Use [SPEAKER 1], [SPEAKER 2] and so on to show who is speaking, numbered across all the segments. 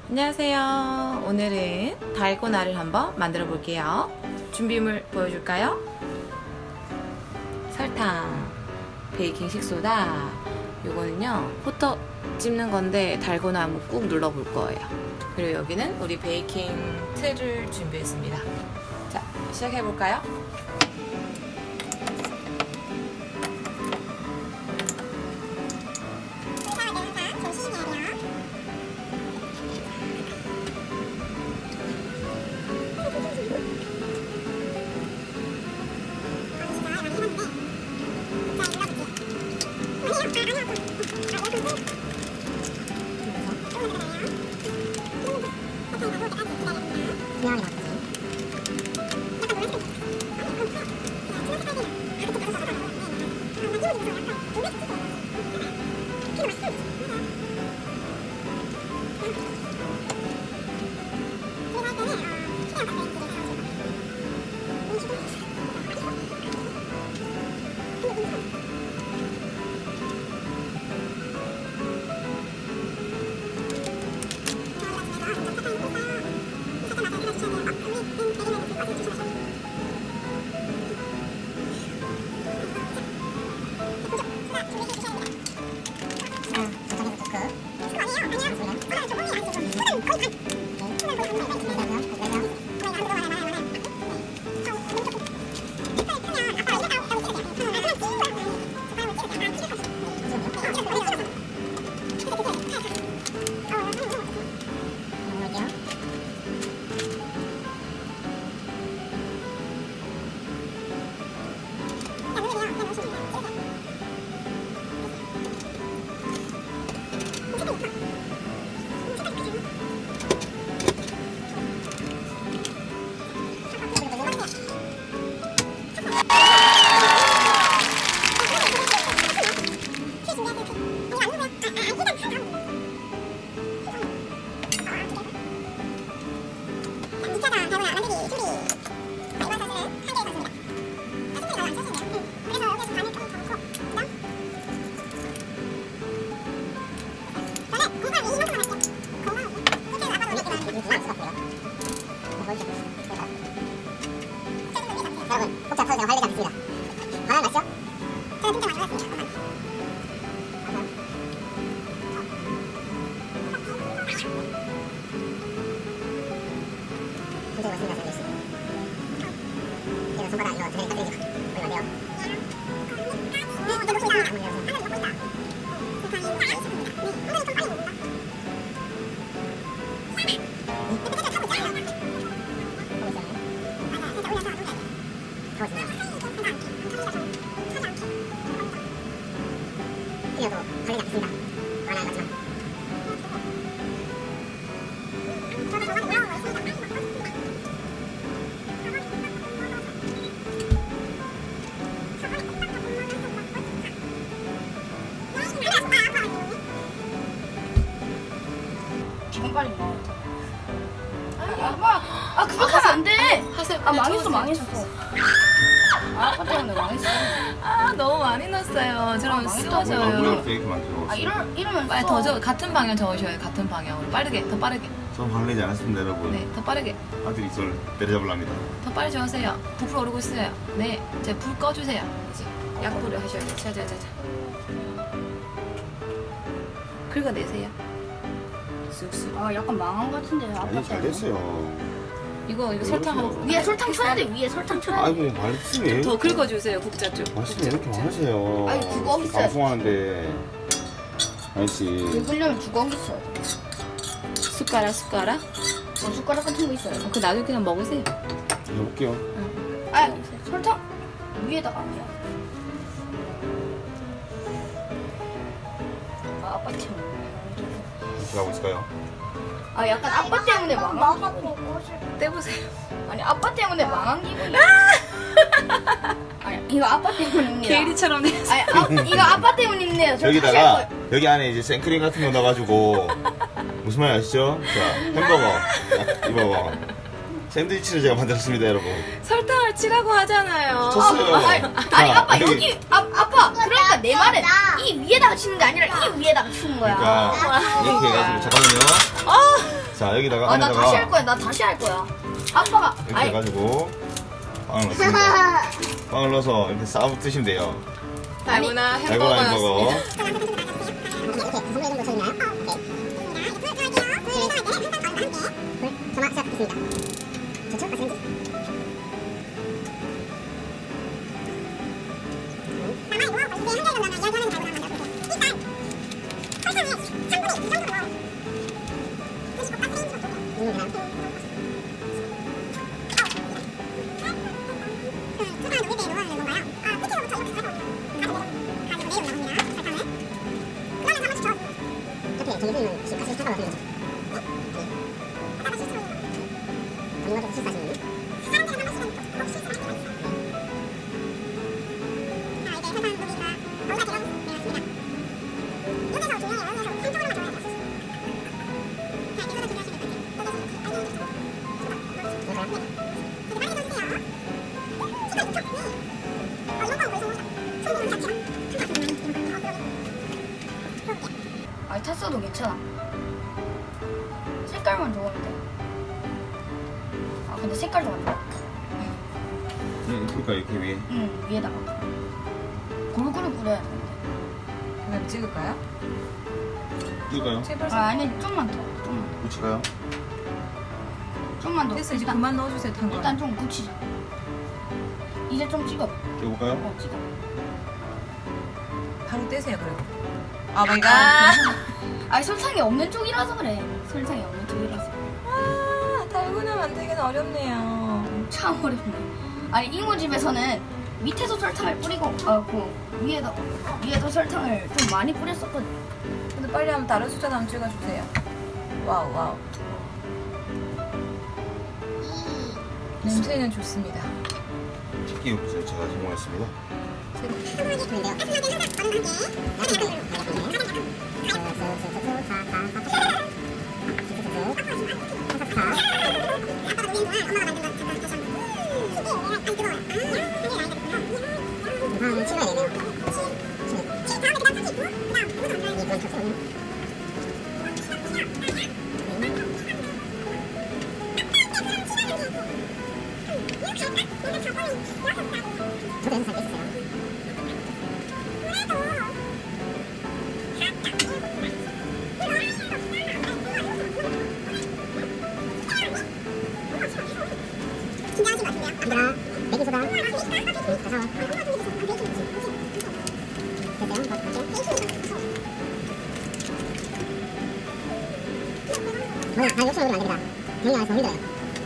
[SPEAKER 1] 안녕하세요. 오늘은 달고나를 한번 만들어 볼게요. 준비물 보여줄까요? 설탕, 베이킹 식소다. 요거는요 호떡 찝는 건데 달고나 한번 꾹 눌러 볼 거예요. 그리고 여기는 우리 베이킹 틀을 준비했습니다. 자, 시작해 볼까요?
[SPEAKER 2] 여러분, 복잡하게 제가 관리가 됐습니다. 바나나 맛있죠? 저는 진짜 많이 먹었습니다. 굉장히 맛있습니다, 저희 씨. 제가 손바닥 이거 드레인 까드리죠. 보이면 돼요. 이어도 관리가 됐습니다. 바나나 마지막.
[SPEAKER 3] 지금 빨리 먹어. 아 그거 하면 안 돼.
[SPEAKER 1] 하세요.
[SPEAKER 3] 아 망했어 망했어. 아 아빠 때문에 망했어.
[SPEAKER 1] 아, 너무 많이 넣었어요. 저러면
[SPEAKER 3] 망했다.
[SPEAKER 1] 쓰러져요.
[SPEAKER 4] 이렇게 만들어.
[SPEAKER 3] 아 이러면
[SPEAKER 1] 빨리 더 저 같은 방향 적으셔요. 같은 방향으로 빠르게, 더 빠르게.
[SPEAKER 4] 전 방내지 않았습니다, 여러분.
[SPEAKER 1] 네, 더 빠르게,
[SPEAKER 4] 아들이 저를 때려잡으랍니다.
[SPEAKER 1] 더 빨리 저으세요. 부풀어 오르고 있어요. 네, 이제 불 꺼주세요. 이제 약불을 하셔야 돼요. 자자자자. 긁어내세요. 쑥쑥.
[SPEAKER 3] 아 약간 망한 것 같은데 아빠
[SPEAKER 4] 아니, 잘
[SPEAKER 3] 때문에.
[SPEAKER 4] 됐어요.
[SPEAKER 1] 이거 설탕 한
[SPEAKER 3] 위에 설탕 쳐야 돼. 위에 설탕 쳐야 돼.
[SPEAKER 4] 아이고, 말씀이 왜
[SPEAKER 1] 더
[SPEAKER 4] 이렇게,
[SPEAKER 1] 긁어주세요. 국자 쪽.
[SPEAKER 4] 말씀이 왜 이렇게 많으세요.
[SPEAKER 3] 아니, 그거 있어요.
[SPEAKER 4] 방송하는데. 아저씨.
[SPEAKER 3] 긁으려면 주걱 있어요.
[SPEAKER 1] 숟가락, 숟가락.
[SPEAKER 3] 숟가락 같은 거 있어요.
[SPEAKER 1] 그 나중에 그냥 먹으세요.
[SPEAKER 4] 해볼게요.
[SPEAKER 3] 아 설탕 위에다가 아니야. 아 아빠 때문에.
[SPEAKER 4] 어떻게 하고 있을까요?
[SPEAKER 3] 아 약간 아빠 때문에 망한 기분이.
[SPEAKER 1] 떼보세요.
[SPEAKER 3] 아니 아빠 때문에 망한 기분이. 아니 이거 아빠 때문입니다.
[SPEAKER 1] 게이리처럼 돼.
[SPEAKER 3] 아니 이거 아빠 때문인데요. 저 다시 할
[SPEAKER 4] 여기다가,
[SPEAKER 3] 거예요.
[SPEAKER 4] 여기 안에 이제 생크림 같은 거 넣어가지고. 무슨 말 아시죠? 자, 햄버거. 이거. 샌드위치를 제가 만들었습니다, 여러분.
[SPEAKER 1] 설탕을 치라고 하잖아요.
[SPEAKER 4] 쳤어요.
[SPEAKER 3] 아니 아빠 여기 아빠 그러니까 내 말은 이 위에다가 치는 게 아니라 이 위에다가 치는 거야.
[SPEAKER 4] 그러니까, 이렇게 해가지고, 잠깐만요.
[SPEAKER 1] 아,
[SPEAKER 4] 자 여기다가
[SPEAKER 3] 아, 나
[SPEAKER 4] 안에다가
[SPEAKER 3] 다시 할 거야. 나 다시 할 거야. 아빠가.
[SPEAKER 4] 이렇게
[SPEAKER 3] 아니,
[SPEAKER 4] 해가지고 빵을 넣습니다. 빵을 넣어서 이렇게 싸 드시면 돼요.
[SPEAKER 1] 달고나
[SPEAKER 4] 달고나 햄버거.
[SPEAKER 1] 햄버거였습니다.
[SPEAKER 2] 이렇게 선물 정도 저있나요? 오케이. 전화 시작했습니다. 좋죠? 맛있는지?
[SPEAKER 3] 아니, 탔어도 괜찮아. 색깔만 좋으면 돼. 아, 근데 색깔도 안 좋아.
[SPEAKER 4] 그러니까 이렇게 위에.
[SPEAKER 3] 응, 위에다가. 골고루 뿌려야 돼.
[SPEAKER 1] 그냥 찍을까요?
[SPEAKER 4] 뜰까요?
[SPEAKER 1] 제발.
[SPEAKER 3] 아, 아니, 좀만 더. 좀만 더.
[SPEAKER 4] 붙일까요?
[SPEAKER 3] 좀만 더.
[SPEAKER 1] 됐어, 이제
[SPEAKER 3] 일단,
[SPEAKER 1] 그만 넣어주세요. 당근.
[SPEAKER 3] 일단 좀 붙이자. 이제 좀 찍어.
[SPEAKER 4] 찍어볼까요?
[SPEAKER 3] 찍어.
[SPEAKER 1] 바로 떼세요, 그리고. 아 마이 갓.
[SPEAKER 3] 아니, 설탕이 없는 쪽이라서 그래. 설탕이 없는 쪽이라서.
[SPEAKER 1] 아, 달고나 만들기는 어렵네요.
[SPEAKER 3] 참 어렵네. 아니, 이모집에서는 밑에서 설탕을 뿌리고, 위에도 설탕을 좀 많이 뿌렸었거든.
[SPEAKER 1] 근데 빨리 한번 다른 숫자 한번 찍어주세요. 와우, 와우. 냄새는 좋습니다.
[SPEAKER 4] 찍기 욕구를 제가 성공했습니다. 다 욕심으로 안 됩니다. 병이 안에서 힘들어요.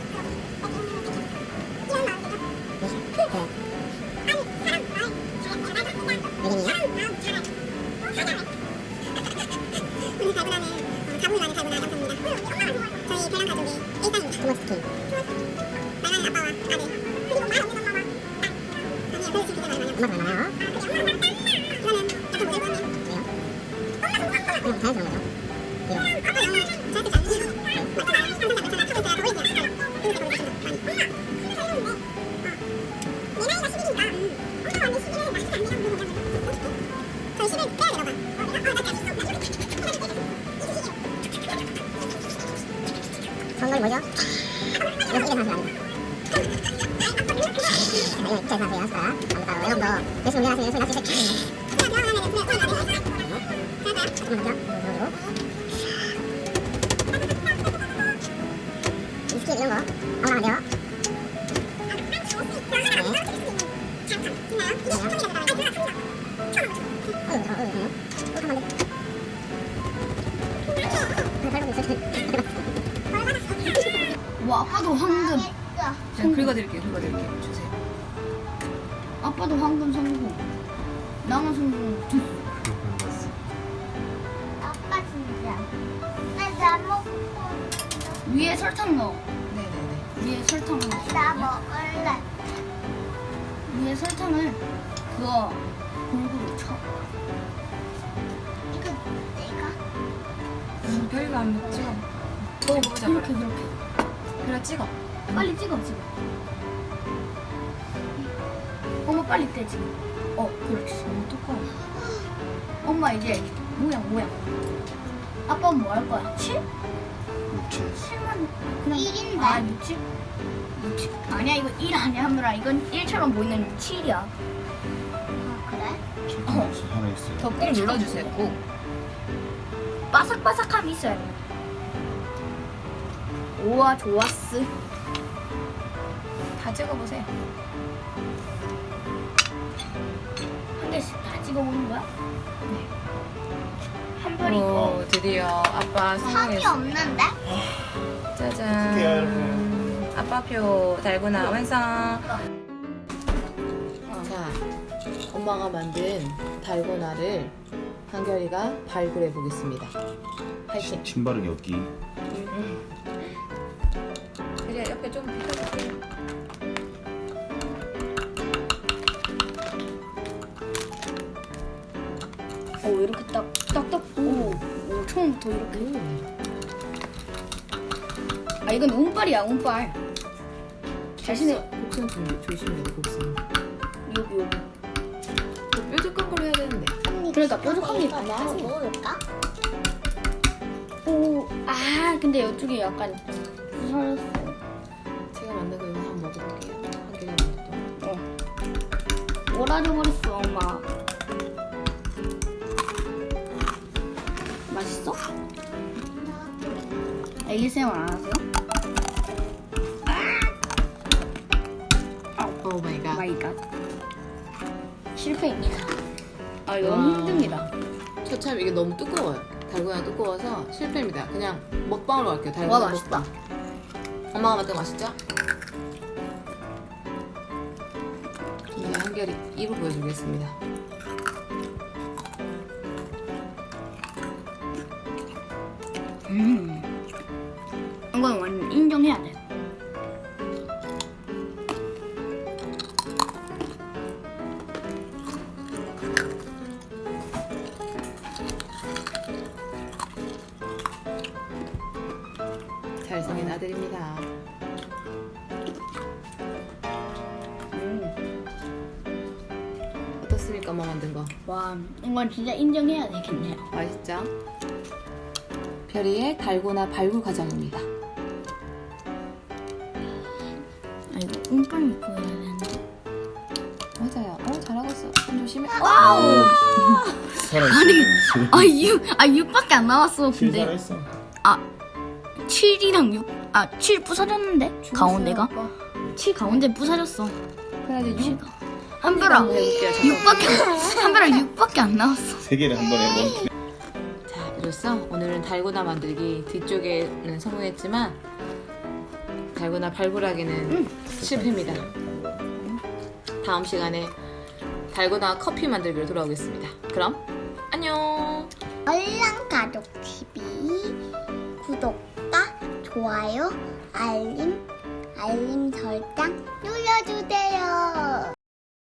[SPEAKER 4] 선물이 뭐죠? 이거 이게 사실 아니다. 이거 이렇게 사세요. 숟가락. 여러분도 열심히 운전하시면 열심히 낚시실 비스킷 이런 거 아무나 안 돼요.
[SPEAKER 3] 와, 아빠도 황금.
[SPEAKER 1] 제가 긁어드릴게요, 긁어드릴게요. 주세요.
[SPEAKER 3] 아빠도 황금 성공. 나만 성공.
[SPEAKER 2] 아빠 진짜. 나 먹고.
[SPEAKER 3] 위에 설탕 넣어.
[SPEAKER 1] 네네네.
[SPEAKER 3] 위에 설탕 넣어.
[SPEAKER 2] 나 먹을래.
[SPEAKER 3] 위에 설탕을 그거 골고루 쳐.
[SPEAKER 2] 이거 내가.
[SPEAKER 1] 별거 안 찍어. 먹어보자,
[SPEAKER 3] 이렇게
[SPEAKER 1] 그래.
[SPEAKER 3] 그렇게.
[SPEAKER 1] 그래, 찍어.
[SPEAKER 3] 빨리 찍어. 엄마 빨리 떼 지금. 그렇지.
[SPEAKER 1] 뚜껑.
[SPEAKER 3] 엄마 이제 모양. 아빠는 뭐 할 거야? 칠?
[SPEAKER 4] 육체.
[SPEAKER 3] 그냥
[SPEAKER 2] 1인데?
[SPEAKER 3] 아 60? 60? 아니야 이거 1 아니야 하늘아. 이건 1처럼 보이는 7이야.
[SPEAKER 2] 아, 그래?
[SPEAKER 4] 하나 있어요.
[SPEAKER 1] 더 꾹 눌러주세요. 꾹.
[SPEAKER 3] 바삭바삭함이 있어야 돼. 우와 좋았어.
[SPEAKER 1] 다 찍어보세요.
[SPEAKER 3] 한 개씩 다 찍어보는 거야? 네. 한 벌이.
[SPEAKER 1] 오, 드디어 아빠
[SPEAKER 2] 선이
[SPEAKER 1] 성공했어.
[SPEAKER 2] 없는데?
[SPEAKER 1] 짜잔.
[SPEAKER 4] 어떡해요, 여러분.
[SPEAKER 1] 아빠표 달고나 완성. 자, 엄마가 만든 달고나를 한결이가 발굴해 보겠습니다. 파이팅.
[SPEAKER 4] 신바르기 없기.
[SPEAKER 1] 그래, 옆에 좀 비켜주세요.
[SPEAKER 3] 오 이렇게 딱딱딱. 오 처음부터 이렇게. 아 이건 운빨이야 운빨. 자신의
[SPEAKER 1] 곡선 좀 조심해야 돼, 곡선.
[SPEAKER 3] 여기.
[SPEAKER 1] 뾰족한 걸로 해야 되는데.
[SPEAKER 3] 그러니까 뾰족한 게
[SPEAKER 2] 이거
[SPEAKER 3] 많아.
[SPEAKER 2] 먹어볼까?
[SPEAKER 3] 오, 아 근데 이쪽이 약간 부서졌어.
[SPEAKER 1] 제가 만든 거 이거 한번 먹어볼게요. 한결이 만든 거.
[SPEAKER 3] 오라져 버렸어 엄마. 맛있어? ASMR 안 하세요?
[SPEAKER 1] 오 마이 갓.
[SPEAKER 3] 마이 갓. 실패입니다. 아 이거
[SPEAKER 1] 와.
[SPEAKER 3] 너무 힘듭니다.
[SPEAKER 1] 처참 이게 너무 두꺼워요. 달고나 두꺼워서 실패입니다. 그냥 먹방으로 갈게요. 달고나
[SPEAKER 3] 와 맛있다.
[SPEAKER 1] 먹방. 엄마가 만든 거 맛있죠? 이제 한결이 입을 보여주겠습니다.
[SPEAKER 3] 이건 완전 인정해야 돼.
[SPEAKER 1] 잘생긴 아들입니다. 어떻습니까, 엄마 만든 거?
[SPEAKER 3] 와 이건 진짜 인정해야 되겠네요.
[SPEAKER 1] 맛있죠? 별이의 달고나 발굴 과정입니다.
[SPEAKER 3] 아 이거 운빨 믿고 해야 되는데.
[SPEAKER 1] 맞아요. 잘하고 있어. 손 조심해.
[SPEAKER 3] 와우.
[SPEAKER 4] 살아있어.
[SPEAKER 3] 아니 아 6밖에 안 나왔어.
[SPEAKER 4] 실
[SPEAKER 3] 근데
[SPEAKER 4] 살아있어.
[SPEAKER 3] 7이랑 6. 아 7 부서졌는데 가운데가? 7 가운데 부서졌어.
[SPEAKER 1] 그래도 6
[SPEAKER 3] 한별아
[SPEAKER 1] 해볼게요.
[SPEAKER 3] 6밖에 한별아 6밖에 안 나왔어.
[SPEAKER 4] 세 개를 한 번에 멈추.
[SPEAKER 1] 자, 이로써 오늘은 달고나 만들기 뒤쪽에는 성공했지만 달고나 발굴하기는 실패입니다. 다음 시간에 달고나 커피 만들기로 돌아오겠습니다. 그럼 안녕.
[SPEAKER 2] 얼랑가족TV 구독과 좋아요, 알림 설정 눌러주세요.